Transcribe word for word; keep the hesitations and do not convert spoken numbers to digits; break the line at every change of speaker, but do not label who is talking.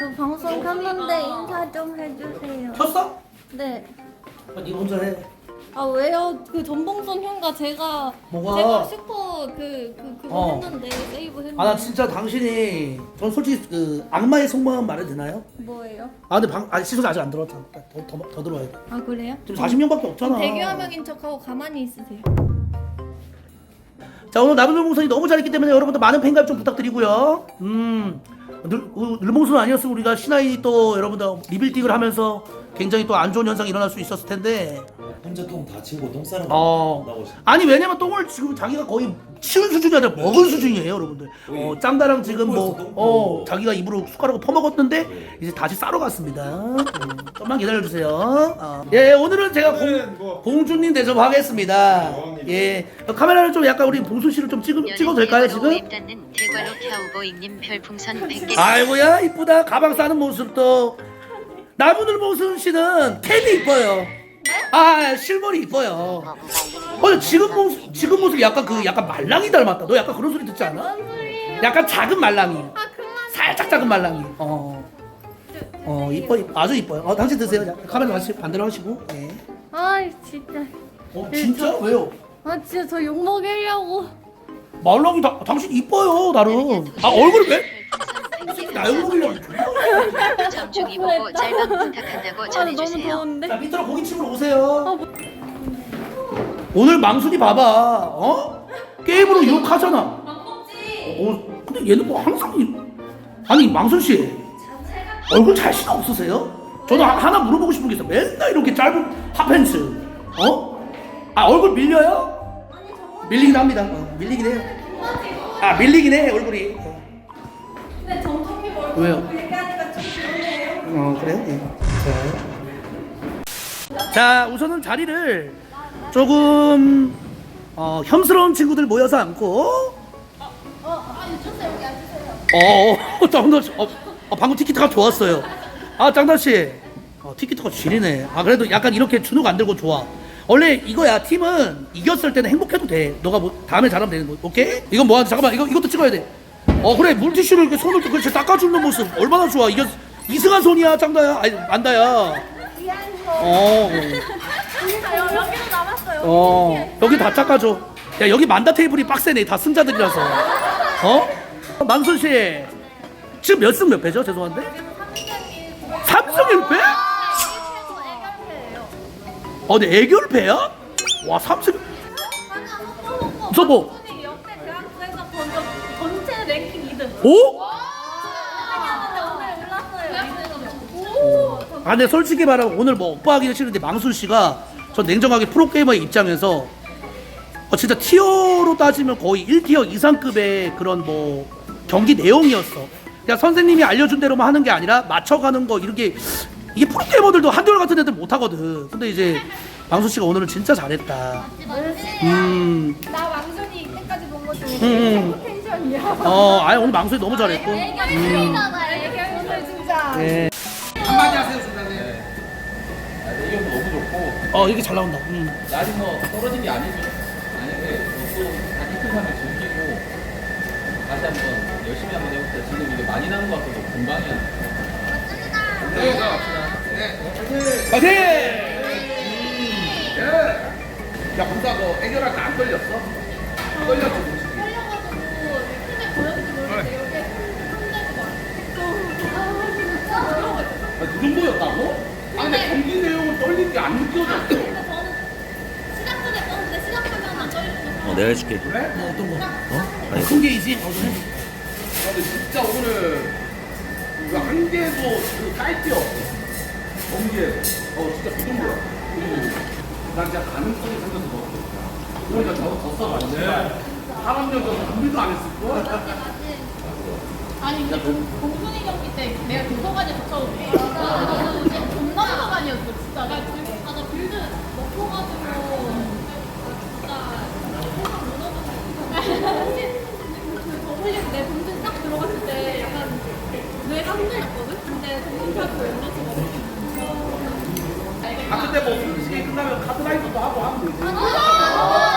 저 방송 켰는데 인사 좀 해주세요.
켰어?
네.
아, 니 혼자 해.
아 왜요? 그 전봉선 형과 제가
뭐가?
제가 슈퍼 그, 그 그거
어.
했는데 세이브 했는데.
아 나 진짜 당신이 전 솔직히 그 악마의 속마음 말해도 되나요?
뭐예요?
아 근데 방 아직 시선 아직 안 들어왔잖아. 더, 더, 더 들어와야 돼.
아 그래요?
지금 사십 명밖에 없잖아.
대규화명인 척하고 가만히 있으세요.
자 오늘 나무늘봉선이 너무 잘했기 때문에 여러분들 많은 팬가입 좀 부탁드리고요. 음 늘, 늘봉선 아니었으면 우리가 신화이 또 여러분들 리빌딩을 하면서 굉장히 또 안 좋은 현상이 일어날 수 있었을 텐데.
혼자 똥 다치고 똥 싸는 거
어
나오시.
아니 왜냐면 똥을 지금 자기가 거의 치운 수준이 아니라 먹은 수준이에요 여러분들. 어 짱다랑 지금 뭐 어 자기가 입으로 숟가락을 퍼먹었는데 이제 다시 싸러 갔습니다. 음, 좀만 기다려주세요. 어. 예 오늘은 제가 공, 공주님 대접하겠습니다. 예 카메라를 좀 약간 우리 봉순 씨를 좀 찍, 찍어도 될까요 지금?
대괄호 캬우보이님 별풍선 백 개.
아이고야 이쁘다. 가방 싸는 모습도. 나무늘봉순 씨는 캔이 이뻐요. 아 실물이 이뻐요. 어 지금 모습 지금 모습 약간 그 약간 말랑이 닮았다. 너 약간 그런 소리 듣지 않아?
뭔 소리예요?
약간 작은 말랑이.
아 그만.
살짝 작은 말랑이. 어. 어 이뻐, 이뻐 아주 이뻐요. 어 당신 드세요. 자, 카메라 다시 반대로 하시고. 예.
아 진짜.
어 진짜 왜요?
아 진짜 저 욕 먹이려고.
말랑이 다 당신 이뻐요 나름. 아 얼굴 왜? 나 욕먹이려고.
정중히 보고 짤방 부탁한다고
아 너무
전해주세요.
더운데.
자 밑으로 고깃집으로 오세요. 오늘 망순이 봐봐. 어? 게임으로 유혹하잖아. 어, 근데 얘는 뭐 항상 이- 아니 망순 씨 얼굴 자신 없으세요? 저도 하- 하나 물어보고 싶은 게 있어. 맨날 이렇게 짧은 핫팬츠. 어? 아 얼굴 밀려요? 밀리긴 합니다. 어, 밀리긴 해요. 아 밀리긴 해 얼굴이. 어.
근데 정통이 얼굴
왜요?
얘기하니까 좀 그러네요.
어 그래요? 예. 자. 자 우선은 자리를 조금 어, 혐스러운 친구들 모여서 앉고.
어, 아니 주세요 여기 앉으세요.
어, 짱다 씨, 어, 어, 방금 티키타가 좋았어요. 아, 짱다 씨, 어, 티키타가 지리네. 아, 그래도 약간 이렇게 주눅 안 들고 좋아. 원래 이거야 팀은 이겼을 때는 행복해도 돼. 너가 뭐 다음에 잘하면 되는 거, 오케이? 이건 뭐야? 잠깐만, 이거 이것도 찍어야 돼. 어, 그래 물티슈를 이렇게 손을 그렇게 닦아주는 모습 얼마나 좋아. 이게 이승한 손이야, 짱다야, 아니 안다야. 어,
아, 여기도 남았어요.
어, 여기 다 닦아줘. 야, 여기 만다 테이블이 빡세네. 다 승자들이라서. 어? 망순 씨, 지금 몇 승 몇 패죠? 죄송한데. 삼 승 일 패? 어, 근데 애결패야? 와, 삼 승. 저 뭐?
역대 대학교에서 전체 랭킹 이 등.
오?
오늘 올랐어요.
아, 근데 솔직히 말하면 오늘 뭐 오빠 하기는 싫은데 망순 씨가 전 냉정하게 프로게이머의 입장에서 어, 진짜 티어로 따지면 거의 일 티어 이상급의 그런 뭐 경기 내용이었어. 그냥 선생님이 알려준 대로만 하는 게 아니라 맞춰가는 거 이렇게 이게 프로게이머들도 한결 같은 애들 못 하거든. 근데 이제 망순 씨가 오늘은 진짜 잘했다. 음,
나 왕순이 이때까지 본 것 중에
음, 음.
최고 텐션이야.
어, 아니 오늘 망순이 너무 잘했고. 음,
애결이잖아. 애결 오늘 진짜.
네.
한마디 하세요, 순간에.
아, 의견도 너무 좋고
어, 이렇게 잘 나온다. 음.
날이 뭐 떨어진 게 아니죠. 아닌데 또다 이틀만에 즐기고 다시 한번 열심히 한번 해볼게요. 지금 이게 많이 나는 것 같아도 금방이야.
네, 갑시다. 네,
파이팅!
네. 야, 검사 너 해결할 때 안 떨렸어? 떨렸지, 솔직히. 아, 그 정도였다고? 아, 근데 경기 내용은 떨린 게 안 느껴졌어.
어, 내가 해줄게.
그래?
뭐 어떤 거?
어?
큰 게이지? 어, 그래?
아, 근데 진짜 오늘 그 한 개도 그 사이트 없어. 경기에서. 어, 진짜 그 정도야. 음. 난 진짜 가능성이 생겨서 먹었어. 그러니까 저거 더 써봤네. 사람 년 전에 준비도 안 했을 거야.
아니 근데 공순이 경기 때 내가 도서관에 갇혀오고 나는 이제 존나 도서관이었어 진짜 나 빌드 아나 빌드 먹고 가지고 진짜 세상 무너졌어 저번에 내 동생 딱 들어갔을 때 약간 뇌가 흔들렸거든? 근데 동생한테 올려주거든
아, 근데 뭐 솔직히 끝나면 카드라이더도 하고 하면 되지.
아